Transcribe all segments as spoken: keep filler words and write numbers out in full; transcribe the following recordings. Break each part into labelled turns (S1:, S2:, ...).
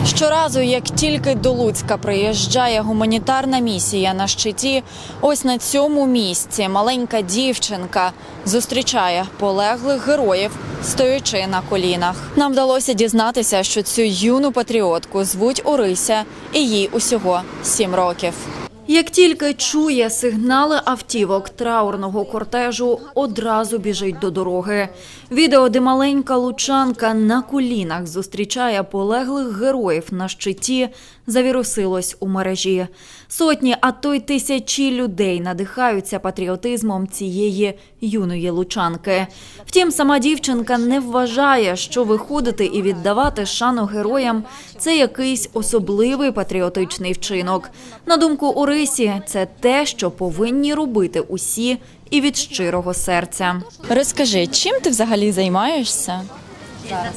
S1: Щоразу, як тільки до Луцька приїжджає гуманітарна місія на щиті, ось на цьому місці маленька дівчинка зустрічає полеглих героїв, стоячи на колінах. Нам вдалося дізнатися, що цю юну патріотку звуть Орися, і їй усього сім років. Як тільки чує сигнали автівок траурного кортежу, одразу біжить до дороги. Відео, де маленька лучанка на колінах зустрічає полеглих героїв на щиті, завірусилось у мережі. Сотні, а то й тисячі людей надихаються патріотизмом цієї юної лучанки. Втім, сама дівчинка не вважає, що виходити і віддавати шану героям – це якийсь особливий патріотичний вчинок. На думку Орисі, це те, що повинні робити усі і від щирого серця. Розкажи, чим ти взагалі займаєшся?
S2: Зараз.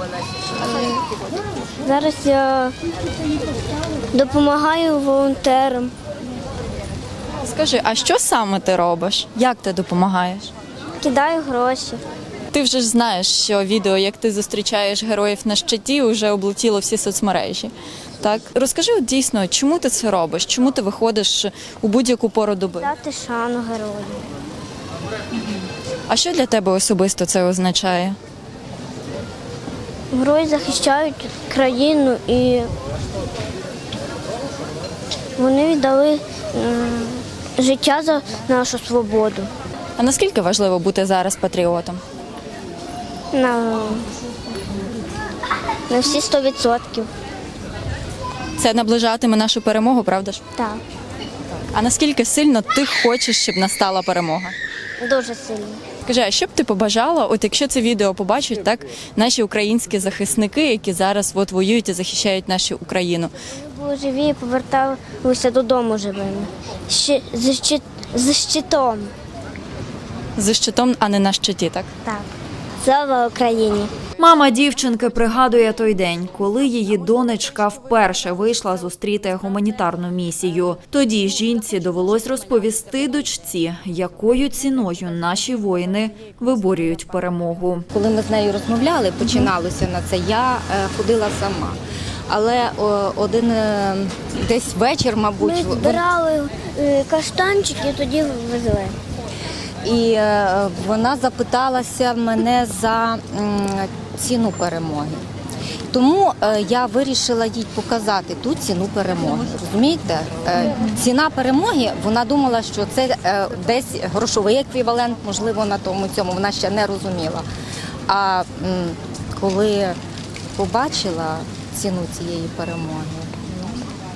S2: Зараз я допомагаю волонтерам.
S1: Скажи, а що саме ти робиш? Як ти допомагаєш?
S2: Кидаю гроші.
S1: Ти вже ж знаєш, що відео, як ти зустрічаєш героїв на щиті, вже облетіло всі соцмережі. Так? Розкажи от дійсно, чому ти це робиш? Чому ти виходиш у будь-яку пору доби?
S2: Дати шану герою.
S1: А що для тебе особисто це означає?
S2: Герої захищають країну і вони віддали м, життя за нашу свободу.
S1: А наскільки важливо бути зараз патріотом?
S2: На, на всі сто відсотків.
S1: Це наближатиме нашу перемогу, правда ж?
S2: Так,
S1: А наскільки сильно ти хочеш, щоб настала перемога?
S2: дуже сильно.
S1: Скажи, а що б ти побажала, от якщо це відео побачать, так, наші українські захисники, які зараз от воюють і захищають нашу Україну?
S2: Ми були живі і поверталися додому живими. Щи, з, щит, з щитом.
S1: За щитом, а не на щиті, так?
S2: Так. Слава Україні!
S1: Мама дівчинки пригадує той день, коли її донечка вперше вийшла зустріти гуманітарну місію. Тоді жінці довелось розповісти дочці, якою ціною наші воїни виборюють перемогу.
S3: Коли ми з нею розмовляли, починалося на це, я е, ходила сама. Але о, один е, десь вечір, мабуть,
S2: Ми
S3: вон-
S2: збирали е, каштанчики і тоді везли.
S3: і е, вона запиталася мене за м, ціну перемоги. Тому е, я вирішила їй показати ту ціну перемоги. Розумієте? Е, ціна перемоги, вона думала, що це е, десь грошовий еквівалент, можливо, на тому цьому, вона ще не розуміла. А м, коли побачила ціну цієї перемоги, ну,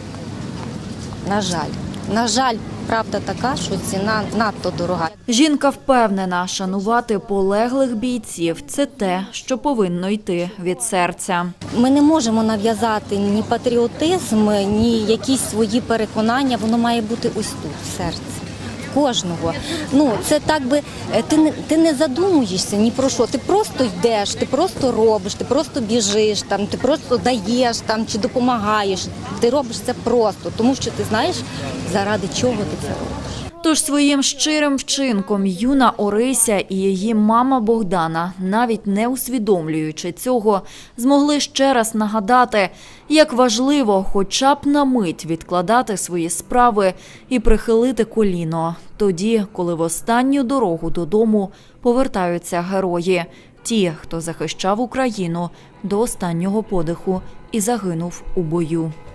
S3: на жаль, на жаль, правда така, що ціна надто дорога.
S1: Жінка впевнена, шанувати полеглих бійців – це те, що повинно йти від серця.
S3: Ми не можемо нав'язати ні патріотизм, ні якісь свої переконання, воно має бути ось тут, в серці. Кожного. Ну, це так би, ти не, ти не задумуєшся ні про що, ти просто йдеш, ти просто робиш, ти просто біжиш, там, ти просто даєш там, чи допомагаєш. Ти робиш це просто, тому що ти знаєш, заради чого ти це робиш.
S1: Тож своїм щирим вчинком юна Орися і її мама Богдана, навіть не усвідомлюючи цього, змогли ще раз нагадати, як важливо хоча б на мить відкладати свої справи і прихилити коліно. Тоді, коли в останню дорогу додому повертаються герої. Ті, хто захищав Україну до останнього подиху і загинув у бою.